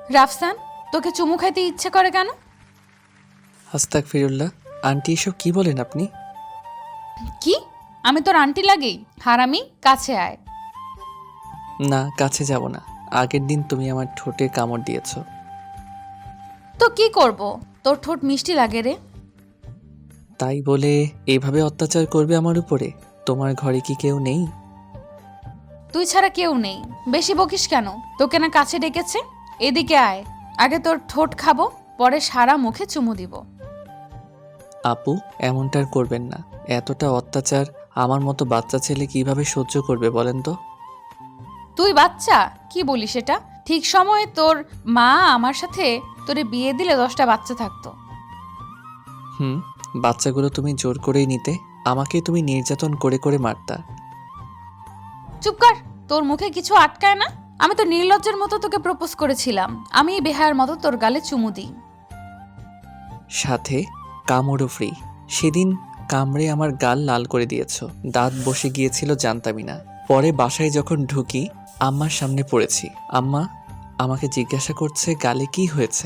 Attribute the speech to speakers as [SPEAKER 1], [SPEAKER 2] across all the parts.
[SPEAKER 1] রাফসান, তোকে চুমু খাইতে ইচ্ছে করে কেন?
[SPEAKER 2] আস্তাগফিরুল্লাহ। আন্টি এসব কি বলেন আপনি?
[SPEAKER 1] কি? আমি তোর আন্টি লাগি? হারামি, কাছে আয়।
[SPEAKER 2] না, কাছে যাব না। আগের দিন তুমি আমার ঠোঁটে কামড় দিয়েছ।
[SPEAKER 1] তো কি করব? তোর ঠোঁট মিষ্টি লাগে রে।
[SPEAKER 2] তাই বলে এভাবে অত্যাচার করবে আমার উপরে? তোমার ঘরে কি কেউ নেই?
[SPEAKER 1] তুই ছাড়া কেউ নেই। বেশি বকিস কেন? তোকে না কাছে ডেকেছে। এদিকে আয়। আগে তোর ঠোঁট খাবো, পরে সারা মুখে চুমু দিব।
[SPEAKER 2] আপু, এমনটা আর করবেন না। এতটা অত্যাচার আমার মতো বাচ্চা ছেলে কিভাবে সহ্য করবে বলেন তো?
[SPEAKER 1] তুই বাচ্চা? কি বলিস এটা? ঠিক সময়ে তোর মা আমার সাথে তোরে বিয়ে দিলে 10টা বাচ্চা থাকতো।
[SPEAKER 2] হুম, বাচ্চাগুলো তুমি জোর করেই নিতে। আমাকেই তুমি নির্যাতন করে করে মারতা।
[SPEAKER 1] চুপ কর। তোর মুখে কিছু আটকায় না? আমি তো নির্লজ্জের মতো তোকে প্রপোজ করেছিলাম। আমি বেহায়ার মতো তোর গালে চুমু দিই।
[SPEAKER 2] সাথে কামড়ও ফ্রি। সেদিন কামড়ে আমার গাল লাল করে দিয়েছ। দাঁত বসে গিয়েছিল জানতামই না। পরে বাসায় যখন ঢুকি আম্মার সামনে পড়েছি। আম্মা আমাকে জিজ্ঞাসা করছে গালে কি হয়েছে।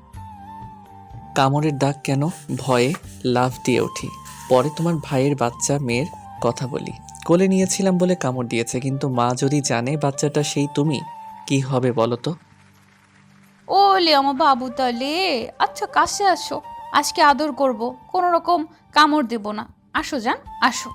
[SPEAKER 2] কামড়ের দাগ কেন? ভয়ে লাফ দিয়ে উঠি। পরে তোমার ভাইয়ের বাচ্চা মেয়ের কথা বলি। কোলে নিয়েছিলাম বলে কামড় দিয়েছে, কিন্তু মা যদি জানে বাচ্চাটা সেই তুমি, কি হবে বলো তো?
[SPEAKER 1] ও লে আমার বাবু তালে। আচ্ছা, কাছে আসো। আজকে আদর করব। কোনো রকম কামড় দেব না। আসো জান, আসো।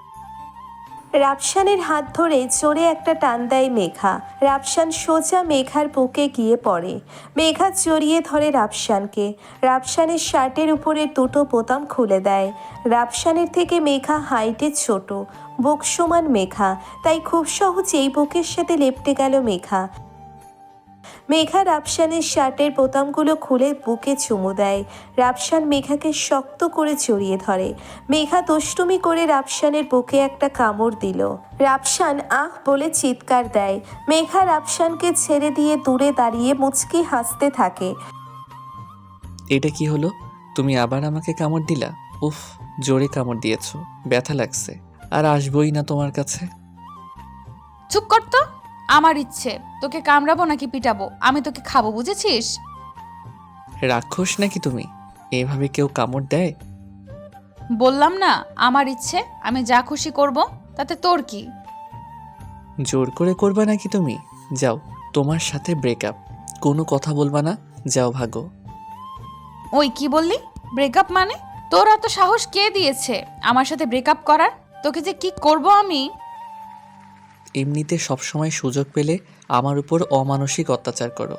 [SPEAKER 3] রাফসানের হাত ধরে জোরে একটা টান দেয় মেঘা। রাফসান সোজা মেঘার বুকে গিয়ে পড়ে। মেঘা জড়িয়ে ধরে রাফসানকে। রাফসানের শার্টের উপরে দুটো বোতাম খুলে দেয়। রাফসানের থেকে মেঘা হাইটে ছোট, বুক সমান মেঘা, তাই খুব সহজেই বুকের সাথে লেপ্টে গেল মেঘা। মেঘা রাফসানের শার্টের বোতামগুলো খুলে বুকে চুমু দেয়। রাফসান মেঘাকে শক্ত করে জড়িয়ে ধরে। মেঘা দুষ্টুমি করে রাফসানের বুকে একটা কামড় দিল। রাফসান আহ বলে চিৎকার দেয়। মেঘা রাফসানকে ছেড়ে দিয়ে দূরে দাঁড়িয়ে মুচকি হাসতে থাকে।
[SPEAKER 2] এটা কি হলো? তুমি আবার আমাকে কামড় দিলা? উফ, জোরে কামড় দিয়েছ, ব্যথা লাগছে। আর আসবই না তোমার কাছে।
[SPEAKER 1] চুপ কর তো। আমার ইচ্ছে। তোকে কামড়াবো নাকি পিটাবো? আমি তোকে খাবো, বুঝেছিস?
[SPEAKER 2] রাক্ষস নাকি তুমি? এভাবে কেউ কামড় দেয়?
[SPEAKER 1] বললাম না, আমার ইচ্ছে। আমি যা খুশি করব। তাতে তোর কি?
[SPEAKER 2] জোর করে করবা নাকি তুমি? যাও, তোমার সাথে ব্রেকআপ। কোনো কথা বলবা না, যাও ভাগো।
[SPEAKER 1] ওই কি বললি? ব্রেকআপ মানে? তোর এত সাহস কে দিয়েছে আমার সাথে ব্রেকআপ করার? তোকে যে কি করব আমি!
[SPEAKER 2] এমনিতে সবসময় সুযোগ পেলে আমার উপর অমানসিক অত্যাচার করো।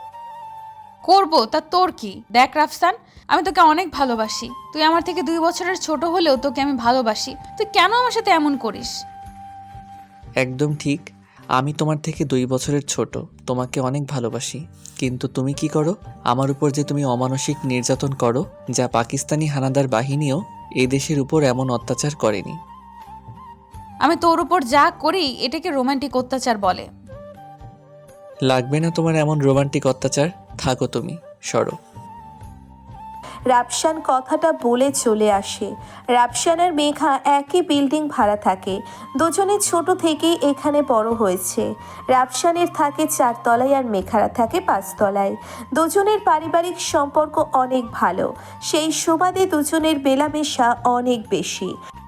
[SPEAKER 1] করব তা তোর কি? দেখ রাফসান, আমি তোকে অনেক ভালোবাসি। তুই আমার থেকে 2 বছরের ছোট হলেও তোকে আমি ভালোবাসি। তুই কেন আমার সাথে এমন করিস?
[SPEAKER 2] একদম ঠিক। আমি তোমার থেকে 2 বছরের ছোট, তোমাকে অনেক ভালোবাসি। কিন্তু তুমি কি করো? আমার উপর যে তুমি অমানসিক নির্যাতন করো, যা পাকিস্তানি হানাদার বাহিনীও এই দেশের উপর এমন অত্যাচার করেনি।
[SPEAKER 1] আমি তোর উপর যা করি এটাকে রোমান্টিক অত্যাচার বলে।
[SPEAKER 2] লাগবে না তোমার এমন রোমান্টিক অত্যাচার। থাকো তুমি, সরো।
[SPEAKER 3] রাফসান কথাটা বলে চলে আসে। রাফসান আর মেঘা একই বিল্ডিং ভাড়া থাকে। দুজনে ছোট থেকেই এখানে বড় হয়েছে। রাফসানের থাকে 4 তলায় আর মেঘারা থাকে 5 তলায়। দুজনের পারিবারিক সম্পর্ক অনেক ভালো। সেই সুবাদে দুজনের মেলামেশা অনেক বেশি।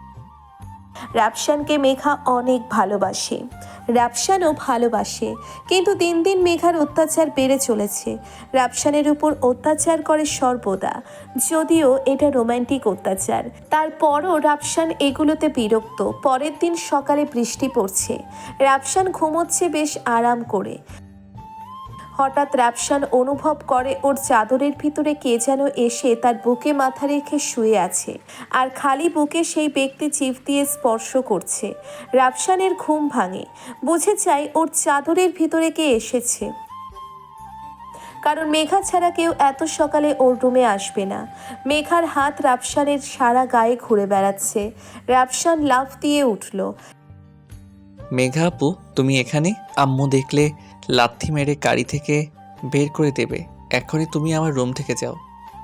[SPEAKER 3] রাফসানকে মেঘা অনেক ভালোবাসে, রাফসানও ভালোবাসে। কিন্তু দিন দিন মেঘার অত্যাচার বেড়ে চলেছে। রাফসানের উপর অত্যাচার করে সর্বদা, যদিও এটা রোমান্টিক অত্যাচার। তারপরও রাফসান এগুলোতে বিরক্ত। পরের দিন সকালে বৃষ্টি পড়ছে। রাফসান ঘুমোচ্ছে বেশ আরাম করে। হঠাৎ রাফসান অনুভব করে ওর চাদরের ভিতরে কে যেন এসে তার বুকে মাথা রেখে শুয়ে আছে, আর খালি বুকে সেই ব্যক্তি চিপ দিয়ে স্পর্শ করছে। রাফসানের ঘুম ভাঙে। বুঝে যায় ওর চাদরের ভিতরে কে এসেছে, কারণ মেঘা ছাড়া কেউ এত সকালে ওর রুমে আসবে না। মেঘার হাত রাফসানের সারা গায়ে ঘুরে বেড়াচ্ছে। রাফসান লাফ দিয়ে উঠল।
[SPEAKER 2] মেঘা আপু, তুমি এখানে? আম্মু দেখলে লাথি মেরে গাড়ি থেকে বের করে দেবে। এখনই তুমি আমার রুম থেকে যাও।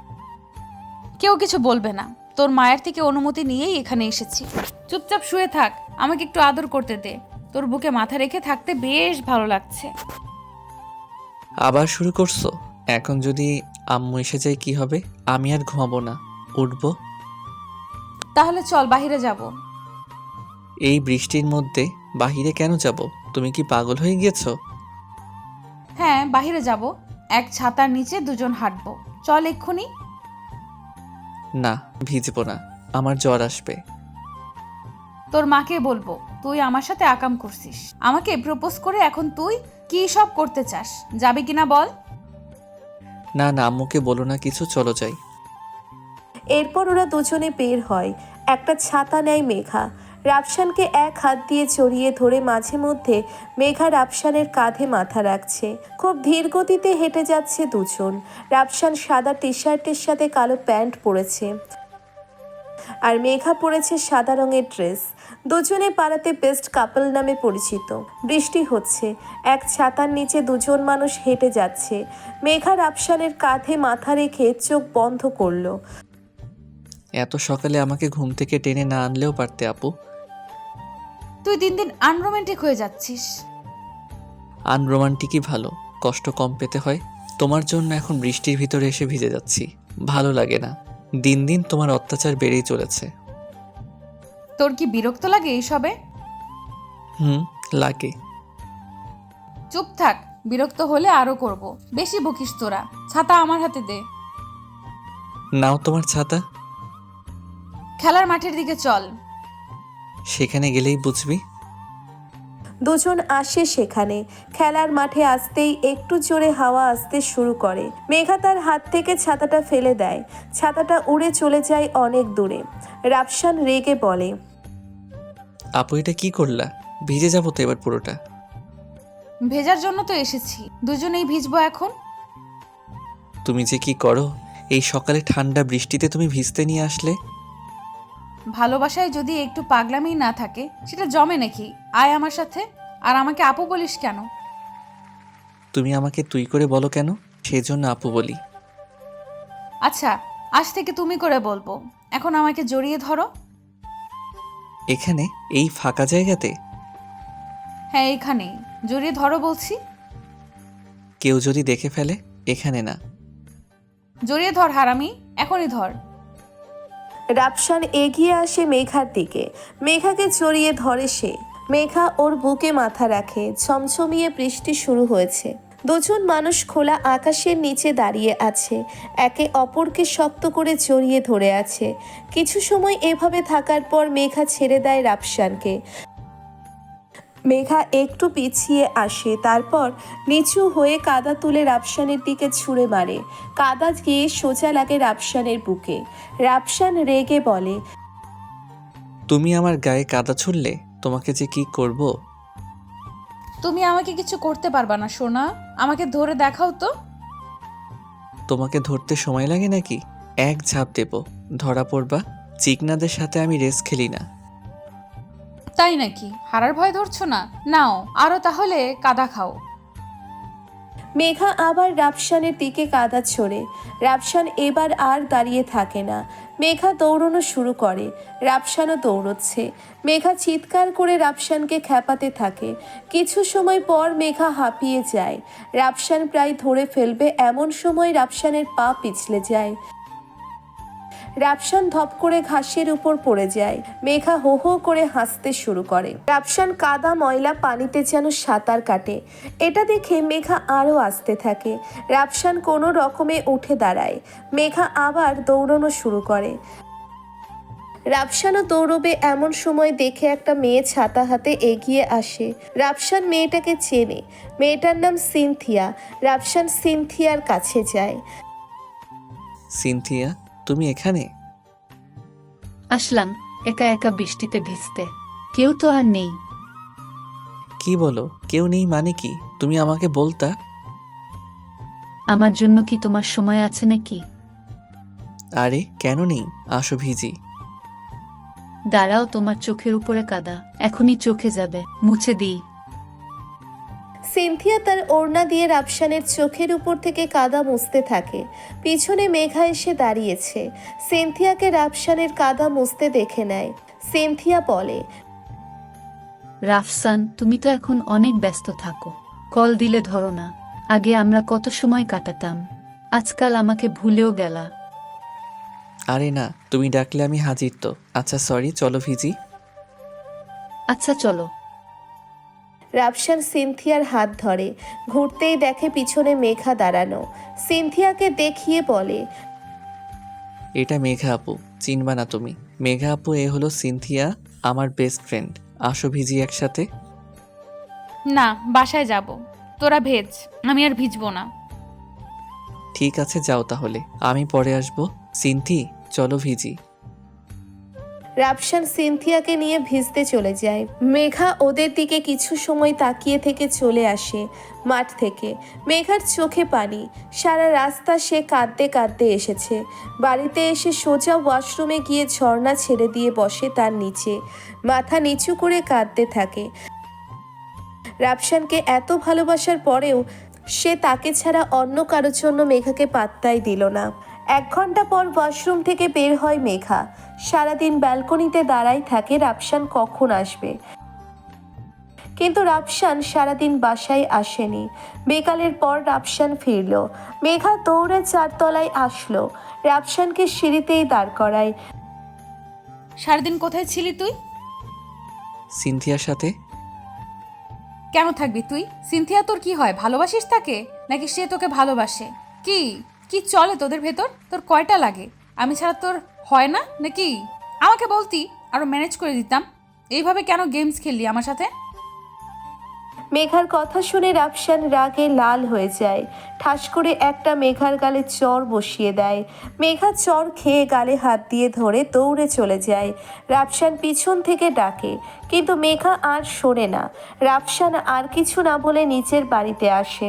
[SPEAKER 1] কেউ কিছু বলবে না। তোর মায়ের থেকে অনুমতি নিয়েই এখানে এসেছি। চুপচাপ শুয়ে থাক। আমাকে একটু আদর করতে দে। তোর বুকে মাথা রেখে থাকতে বেশ ভালো লাগছে।
[SPEAKER 2] আবার শুরু করছো? এখন যদি আম্মু এসে যায় কি হবে? আমি আর ঘুমাবো না, উঠবো।
[SPEAKER 1] তাহলে চল বাইরে যাব।
[SPEAKER 2] এই বৃষ্টির মধ্যে বাহিরে কেন যাব? তুমি কি পাগল হয়ে গিয়েছো?
[SPEAKER 1] হ্যাঁ বাইরে যাব, এক ছাতার নিচে দুজন হাঁটবো। চল এক্ষুনি।
[SPEAKER 2] না, ভিজবো না, আমার জ্বর আসবে।
[SPEAKER 1] তোর মাকে বলবো তুই আমার সাথে আকাম করছিস। আমাকে প্রপোজ করে এখন তুই কি সব করতে চাস, যাবি কিনা বল।
[SPEAKER 2] না না, আম্মুকে বলো না কিছু, চলো যাই।
[SPEAKER 3] এরপর ওরা দুজনে বের হয়। একটা ছাতা নেয় মেঘা। রাফসানকে এক হাত দিয়ে জড়িয়ে ধরে মাঝে মধ্যে মেঘা রাফসানের কাঁধে মাথা রাখছে। খুব ধীর গতিতে হেঁটে যাচ্ছে দুজন। রাফসান সাদা টি শার্টের সাথে কালো প্যান্ট পরেছে আর মেঘা পরেছে সাদা রঙের ড্রেস। দুজনে পাড়াতে বেস্ট কাপল নামে পরিচিত। বৃষ্টি হচ্ছে, এক ছাতার নিচে দুজন মানুষ হেঁটে যাচ্ছে। মেঘা রাফসানের কাঁধে মাথা রেখে চোখ বন্ধ করলো।
[SPEAKER 2] এত সকালে আমাকে ঘুম থেকে টেনে না আনলেও পারতে আপু।
[SPEAKER 1] তুই দিন দিন আনরোমান্টিক হয়ে যাচ্ছিস।
[SPEAKER 2] আনরোমান্টিকই ভালো, কষ্ট কম পেতে হয়। তোমার জন্য এখন বৃষ্টির ভিতরে এসে ভিজে যাচ্ছি, ভালো লাগে না। দিন দিন তোমার অত্যাচার বেড়েই চলেছে।
[SPEAKER 1] তোর কি বিরক্ত লাগে এইসবে?
[SPEAKER 2] লাগে।
[SPEAKER 1] চুপ থাক, বিরক্ত হলে আরো করব। বেশি বকিস তোরা। ছাতা আমার হাতে দে।
[SPEAKER 2] নাও তোমার ছাতা।
[SPEAKER 1] খেলার মাঠের দিকে চল।
[SPEAKER 2] সেখানে গেলেই বুঝবি।
[SPEAKER 3] দুজন আসে সেখানে। খেলার মাঠে আসতেই একটু জোরে হাওয়া আসতে শুরু করে। মেঘা তার হাত থেকে ছাতাটা ফেলে দেয়। ছাতাটা উড়ে চলে যায় অনেক দূরে। রাফসান রেগে বলে,
[SPEAKER 2] আপু এটা কি করলা? ভিজে যাবো তো এবার পুরোটা।
[SPEAKER 1] ভেজার জন্য তো এসেছি, দুজনেই ভিজবো এখন।
[SPEAKER 2] তুমি যে কি করো, এই সকালে ঠান্ডা বৃষ্টিতে তুমি ভিজতে নিয়ে আসলে।
[SPEAKER 1] ভালোবাসায় যদি একটু পাগলামি না থাকে সেটা জমে নাকি? আয় আমার সাথে। আর আমাকে আপু বলিস কেন?
[SPEAKER 2] তুমি আমাকে তুই করে বলো কেন? সেজন্য আপু বলি।
[SPEAKER 1] আচ্ছা, আজ থেকে তুমি করে বলবো। এখন আমাকে জড়িয়ে ধরো।
[SPEAKER 2] এখানে এই ফাঁকা জায়গাতে?
[SPEAKER 1] হ্যাঁ এইখানেই, জড়িয়ে ধরো বলছি।
[SPEAKER 2] কেউ যদি দেখে ফেলে? এখানে না।
[SPEAKER 1] জড়িয়ে ধর হারামি, এখনই ধর।
[SPEAKER 3] রাফসান এগিয়ে আসে মেঘার দিকে। মেঘাকে জড়িয়ে ধরে সে। মেঘা ওর বুকে মাথা রাখে। ঝমঝমিয়ে বৃষ্টি শুরু হয়েছে। দুজন মানুষ খোলা আকাশের নিচে দাঁড়িয়ে আছে, একে অপরকে শক্ত করে জড়িয়ে ধরে আছে। কিছু সময় এভাবে থাকার পর মেঘা ছেড়ে দেয় রাফসানকে। মেঘা একটু পিছিয়ে আসে, তারপর নিচু হয়ে কাদা তুলে রাফসানের দিকে ছুঁড়ে মারে। কাদা গিয়ে সোজা লাগে রাফসানের বুকে। রাফসান রেগে বলে,
[SPEAKER 2] তুমি আমার গায়ে কাদা ছুড়লে, তোমাকে যে কি করব।
[SPEAKER 1] তুমি আমাকে কিছু করতে পারবা না সোনা, আমাকে ধরে দেখাও তো।
[SPEAKER 2] তোমাকে ধরতে সময় লাগে নাকি? এক ঝাঁপ দেব, ধরা পড়বা। চিকনাদের সাথে আমি রেস খেলি না।
[SPEAKER 1] তাই নাকি? হারার ভয় ধরছো না? নাও আরো তাহলে কাদা খাও।
[SPEAKER 3] মেঘা আবার রাফসানের দিকে কাদা ছোড়ে। রাফসান এবার আর দাঁড়িয়ে থাকে না। মেঘা দৌড়ানো শুরু করে। রাফসানও দৌড়চ্ছে। মেঘা চিৎকার করে রাফসানকে খ্যাপাতে থাকে। কিছু সময় পর মেঘা হাঁপিয়ে যায়। রাফসান প্রায় ধরে ফেলবে এমন সময় রাফসানের পা পিছলে যায়। রাফসান ধপ করে ঘাসের উপর পড়ে যায়। মেঘা হো হো করে হাসতে শুরু করে। রাফসান কাদা ময়লা পানিতে যেন সাঁতার কাটে। এটা দেখে মেঘা আরও আসতে থাকে। রাফসান কোনো রকমে উঠে দাঁড়ায়। মেঘা আবার দৌড়ানো শুরু করে। রাফসানও দৌড়বে এমন সময় দেখে একটা মেয়ে ছাতা হাতে এগিয়ে আসে। রাফসান মেয়েটাকে চেনে। মেয়েটার নাম সিনথিয়া। রাফসান সিনথিয়ার কাছে যায়।
[SPEAKER 2] সিনথিয়া, তুমি এখানে?
[SPEAKER 4] আসলাম একা একা বৃষ্টিতে ভিজতে, কেউ তো আর নেই।
[SPEAKER 2] কি বলো কেউ নেই মানে কি? তুমি আমাকে বলতা।
[SPEAKER 4] আমার জন্য কি তোমার সময় আছে নাকি?
[SPEAKER 2] আরে কেন নেই, আসো ভিজি।
[SPEAKER 4] দাঁড়াও, তোমার চোখের উপরে কাদা, এখনই চোখে যাবে, মুছে দিই।
[SPEAKER 3] সিনথিয়া তার ওড়না দিয়ে রাফসানের চোখের উপর থেকে কাদা মুছতে থাকে। পিছনে মেঘা এসে দাঁড়িয়েছে। সিনথিয়াকে রাফসানের কাদা মুছতে দেখে নেয়। সিনথিয়া বলে,
[SPEAKER 4] রাফসান, তুমি তো এখন অনেক ব্যস্ত থাকো, কল দিলে ধরো না। আগে আমরা কত সময় কাটাতাম। আজকাল আমাকে ভুলেও গেলা।
[SPEAKER 2] আরে না, তুমি ডাকলে আমি হাজির তো। আচ্ছা সরি, চলো ভিজি।
[SPEAKER 4] আচ্ছা চলো।
[SPEAKER 3] রাফসান সিনথিয়ার হাত ধরে, ঘুরতেই দেখে পিছনে মেঘা দাঁড়ানো। সিনথিয়াকে দেখিয়ে বলে,
[SPEAKER 2] এটা মেঘা আপু, চিনবা না তুমি? মেঘা আপু, এ হলো সিনথিয়া, আমার বেস্ট ফ্রেন্ড। আসো ভিজি একসাথে।
[SPEAKER 1] না, বাসায় যাব। তোরা ভেজ, আমি আর ভিজবো না।
[SPEAKER 2] ঠিক আছে যাও তাহলে, আমি পরে আসবো। সিনথি, চলো ভিজি।
[SPEAKER 3] রাফসান সিনথিয়াকে নিয়ে ভিজতে চলে যায়। মেঘা ওদের দিকে কিছু সময় তাকিয়ে থেকে চলে আসে মাঠ থেকে। মেঘার চোখে পানি, সারা রাস্তা সে কাঁদতে কাঁদতে এসেছে। বাড়িতে এসে সোজা ওয়াশরুমে গিয়ে ঝর্ণা ছেড়ে দিয়ে বসে তার নিচে, মাথা নিচু করে কাঁদতে থাকে। রাফসানকে এত ভালোবাসার পরেও সে তাকে ছাড়া অন্য কারোর জন্য মেঘাকে পাত্তাই দিল না। 1 ঘন্টা পর ওয়াশরুম থেকে বের হয় মেঘা। সারাদিন ব্যালকনিতে দাঁড়াই থাকে রাফসান কখন আসবে, কিন্তু রাফসান সারাদিন বাসায় আসেনি। বিকালের পর রাফসান ফিরল। মেঘা দৌড়ে 4 তলায় আসলো, রাফসানকে সিঁড়িতেই দাঁড় করায়।
[SPEAKER 1] সারাদিন কোথায় ছিলি তুই?
[SPEAKER 2] সিনথিয়ার সাথে।
[SPEAKER 1] কেন থাকবি তুই? সিনথিয়া তোর কি হয়, ভালোবাসিস তাকে নাকি সে তোকে ভালোবাসে? কি কি চলে তোদের ভেতর? তোর কয়টা লাগে? আমি ছাড়া তোর হয় না নাকি? আমাকে বলতি, আরো ম্যানেজ করে দিতাম। এইভাবে কেন গেমস খেললি আমার সাথে?
[SPEAKER 3] মেঘার কথা শুনে রাফসান রাগে লাল হয়ে যায়। ঠাস করে একটা মেঘার গালে চর বসিয়ে দেয়। মেঘা চর খেয়ে গালে হাত দিয়ে ধরে দৌড়ে চলে যায়। রাফসান পিছন থেকে ডাকে, কিন্তু মেঘা আর শোনে না। রাফসান আর কিছু না বলে নিচের বাড়িতে আসে।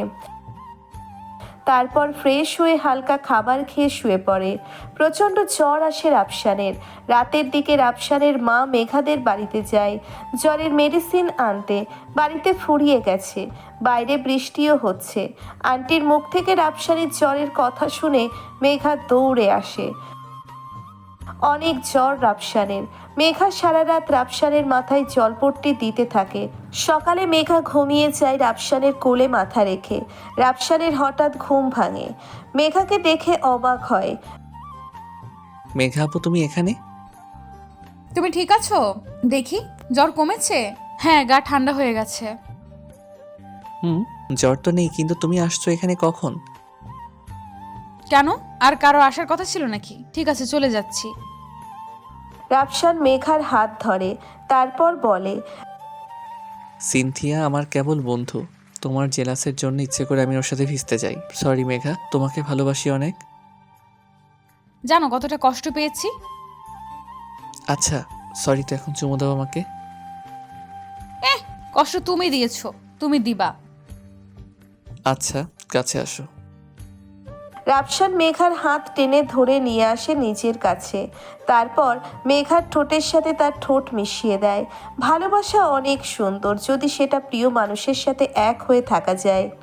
[SPEAKER 3] তারপর ফ্রেশ হয়ে হালকা খাবার খেয়ে শুয়ে পড়ে। প্রচণ্ড জ্বর আসে রাফসানের। রাতের দিকে রাফসানের মা মেঘাদের বাড়িতে যায় জ্বরের মেডিসিন আনতে। বাড়িতে ফুরিয়ে গেছে, বাইরে বৃষ্টিও হচ্ছে। আন্টির মুখ থেকে রাফসানের জ্বরের কথা শুনে মেঘা দৌড়ে আসে। অনেক জ্বর রাফসানের। মেঘা সারা রাত রাফসানের মাথায় জলপট্টি দিতে থাকে। সকালে মেঘা ঘুমিয়ে যায় রাফসানের কোলে মাথা রেখে। রাফসানের হঠাৎ ঘুম ভাঙে, মেঘাকে দেখে অবাক হয়।
[SPEAKER 2] মেঘা আপু, তুমি এখানে?
[SPEAKER 1] তুমি ঠিক আছো? দেখি, জ্বর কমেছে? হ্যাঁ, গা ঠান্ডা হয়ে গেছে।
[SPEAKER 2] হুম, জ্বর তো নেই, কিন্তু তুমি আসছো এখানে কখন?
[SPEAKER 1] কেন, আর কারো আসার কথা ছিল নাকি? ঠিক আছে, চলে যাচ্ছি।
[SPEAKER 3] রাফসান মেঘার হাত ধরে, তারপর বলে,
[SPEAKER 2] সিনথিয়া আমার কেবল বন্ধু। তোমার জেলাসের জন্য ইচ্ছে করে আমি ওর সাথে ভিজতে যাই। সরি মেঘা, তোমাকে ভালোবাসি অনেক।
[SPEAKER 1] জানো কতটা কষ্ট পেয়েছি?
[SPEAKER 2] আচ্ছা সরি, তো এখন চুমু দাও আমাকে।
[SPEAKER 1] কষ্ট তুমি দিয়েছো, তুমি দিবা।
[SPEAKER 2] আচ্ছা, কাছে আসো।
[SPEAKER 3] রাফসান মেঘার হাত টেনে ধরে নিয়ে আসে নিজের কাছে। তারপর মেঘার ঠোঁটের সাথে তার ঠোঁট মিশিয়ে দেয়। ভালোবাসা অনেক সুন্দর যদি সেটা প্রিয় মানুষের সাথে এক হয়ে থাকা যায়।